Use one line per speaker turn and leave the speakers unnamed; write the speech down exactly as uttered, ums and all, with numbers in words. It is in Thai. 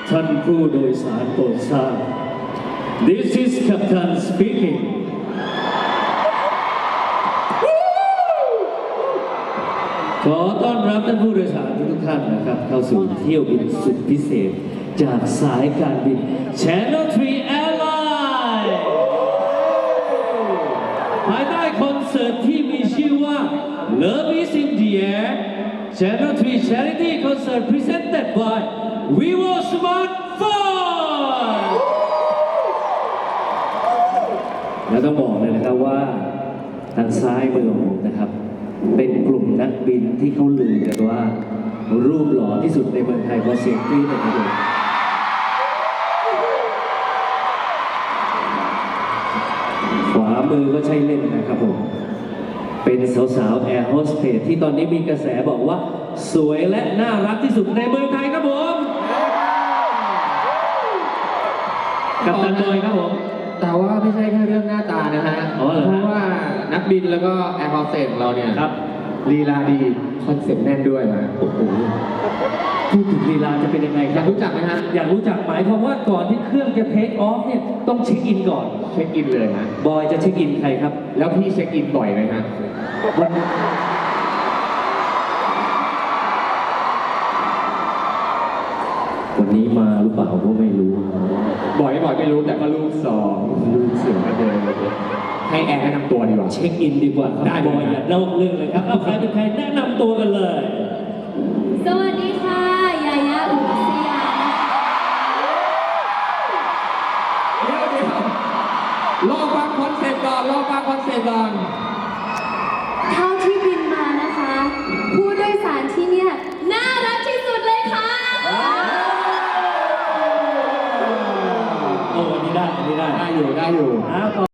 ท่านผู้โดยสารโปรดทราบ This is Captain speaking ขอต้อนรับท่านผู้โดยสารทุกท่านนะครับเข้าสู่เที่ยวบินสุดพิเศษจากสายการบิน Channel ทรี Airline ภายใต้คอนเสิร์ตที่มีชื่อว่า Love is in the Air Channel ทรี Charity Concert presented by Vivo Smartphone และต้องบอกเลยนะครับว่าทางซ้ายมือของผมนะครับเป็นกลุ่มนักบินที่เขาลือกันว่ารูปหล่อที่สุดในเมืองไทยว่าเสียงกรี๊ดนะครับขวามือก็ใช่เล่นนะครับผมเป็นสาวๆแอร์โฮสเตสที่ตอนนี้มีกระแสบอกว่าสวยและน่ารักที่สุดในเมืองไทยครับผมกัปตันบอยครับผม
แต่ว่าไม่ใช่แค่เรื่องหน้าตานะฮะเพราะว่านักบินแล้วก็แอร์โฮสเตสของเราเนี่ย
ครับ
ลีลาดีคอนเซ็ปต์แน่นด้วยฮะ
โอ้โหพูดถึงลีลาจะเป็นยังไงค
อ
รั
ยา
บ
กรู้จักไหมฮะ
อยากรู้จักหมายความว่าก่อนที่เครื่องจะเทคออฟเนี่ยต้องเช็คอินก่อน
เช็คอินเลยฮะ
บอยจะเช็คอินใครครับ
แล้วพี่เช็คอินบ่อยไหมฮะ
วันวันนี้มาหรือเปล่าก็ไม่รู้
บ่อยบ่อยไม่รู้แต่ก็ลูกสองลูกเสือเดินให้แอร์แนะนำตัวดีกว่า
เช็คอินดีกว่าครับบอยอย่านอกเรื่องเลยครับเอาใครเป็นใครแนะนำตัวกันเลย
สวัสดีค่ะยายาอุรัสยา
เดี๋ยวเดี๋ยวรอฟังคอนเซ็ปต์ก่อนรอฟังคอนเซ็ปต์ก่อน
เท่าที่บินมานะคะผู้โดยสารที่เนี่ยน่ารักที่สุดเลยค่ะ
โอ้วันนี้ได้วันนี้ได้
ได้อยู่ได้อยู่